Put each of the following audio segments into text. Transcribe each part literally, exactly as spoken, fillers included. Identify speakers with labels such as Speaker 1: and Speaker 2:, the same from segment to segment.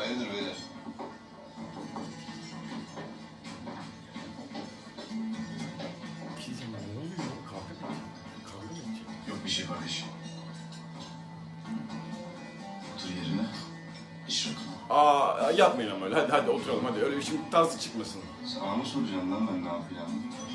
Speaker 1: Hayırdır beyler?
Speaker 2: Bir şey diyeceğim, ne oluyor? Kavga mı? Kavga mı edecek?
Speaker 1: Yok bir şey kardeşim. Otur yerine. İş yok.
Speaker 2: Aa, yapmayın ama öyle. Hadi hadi oturalım hadi. Öyle bir şimdi tarzı çıkmasın.
Speaker 1: Sana mı soracağım lan ben ne yapacağım?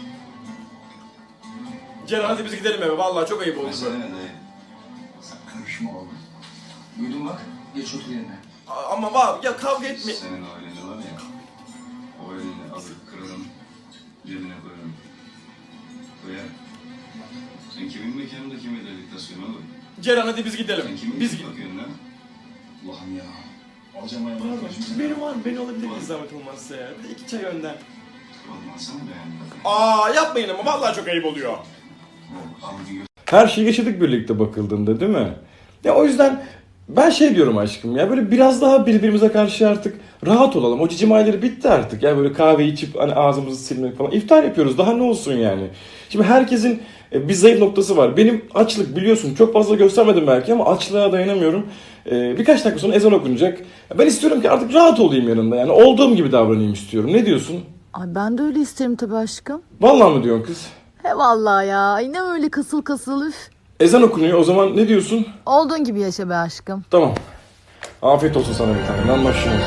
Speaker 2: Ceren hadi biz gidelim eve. Vallahi çok ayıp oldu.
Speaker 1: Mesele ne dayı? Sen karışma oğlum. Duydun bak. Geç otur yerine.
Speaker 2: Aa, ama var ya, kavga etme.
Speaker 1: Senin o elini var ya. O elini alır kırarım. Cebine koyarım. Koyar. Sen kimin mekanında kime dediktasyon oğlum?
Speaker 2: Ceren hadi biz gidelim.
Speaker 1: Sen kimin
Speaker 2: Biz
Speaker 1: biz
Speaker 2: gidelim.
Speaker 1: bakıyorsun lan? Allah'ım ya. Alacağım ayağımı.
Speaker 2: Pardon, benim var. Beni alabilir miyiz zahmet olmazsa ya? Bir de iki çay önden.
Speaker 1: Olmazsa mı beğendin?
Speaker 2: Aa, yapmayın ama vallahi çok ayıp oluyor.
Speaker 1: Al bir gö-
Speaker 3: Her şeyi yaşadık birlikte bakıldığında, değil mi? Ya o yüzden ben şey diyorum aşkım ya, böyle biraz daha birbirimize karşı artık rahat olalım. O cicim ayları bitti artık. Ya böyle kahve içip hani ağzımızı silmek falan. İftar yapıyoruz. Daha ne olsun yani? Şimdi herkesin e, bir zayıf noktası var. Benim açlık, biliyorsun, çok fazla göstermedim belki ama açlığa dayanamıyorum. E, birkaç dakika sonra ezan okunacak. Ben istiyorum ki artık rahat olayım yanında. Yani olduğum gibi davranayım istiyorum. Ne diyorsun?
Speaker 4: Ay ben de öyle isterim tabii aşkım.
Speaker 3: Vallahi mı diyorsun kız?
Speaker 4: He vallahi ya. Ay ne öyle kasıl kasıl üf.
Speaker 3: Ezan okunuyor. O zaman ne diyorsun?
Speaker 4: Olduğun gibi yaşa be aşkım.
Speaker 3: Tamam. Afiyet olsun sana bir tane. Ben başlıyorum.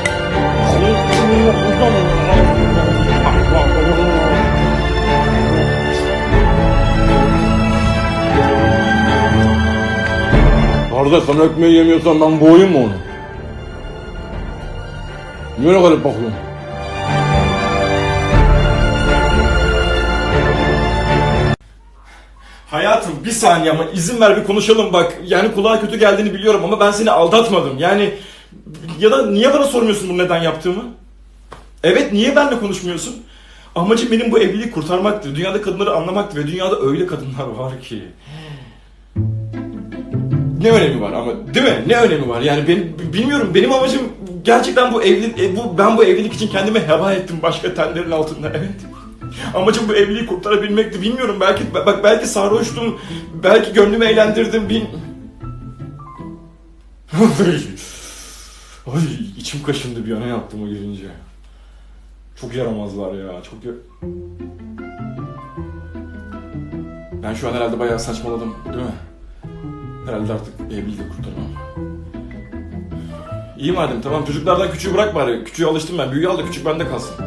Speaker 3: Kardeş, sen ekmeği yemiyorsan ben boğayım mı onu? Niye öyle garip bakıyorsun?
Speaker 2: Hayatım bir saniye ama izin ver bir konuşalım bak. Yani kulağa kötü geldiğini biliyorum ama ben seni aldatmadım. Yani ya da niye bana sormuyorsun bunu neden yaptığımı? Evet, niye benimle konuşmuyorsun? Amacım benim bu evliliği kurtarmaktı. Dünyada kadınları anlamaktı ve dünyada öyle kadınlar var ki. Ne önemi var ama, değil mi? Ne önemi var? Yani ben bilmiyorum, benim amacım gerçekten bu evlilik, e, bu ben bu evlilik için kendimi heba ettim başka tenlerin altında, evet. Amacım bu evliliği kurtarabilmekti. Bilmiyorum, belki bak belki sarhoştum, belki gönlümü eğlendirdim. Bil... Ay, içim kaşındı bir an yaptığımı görünce. Çok yaramazlar ya, çok ya... Ben şu an herhalde bayağı saçmaladım, değil mi? Herhalde artık evliliği de kurtaramam. İyi madem, tamam, çocuklardan küçüğü bırak bari. Küçüğe alıştım ben, büyüğü al da küçük bende kalsın.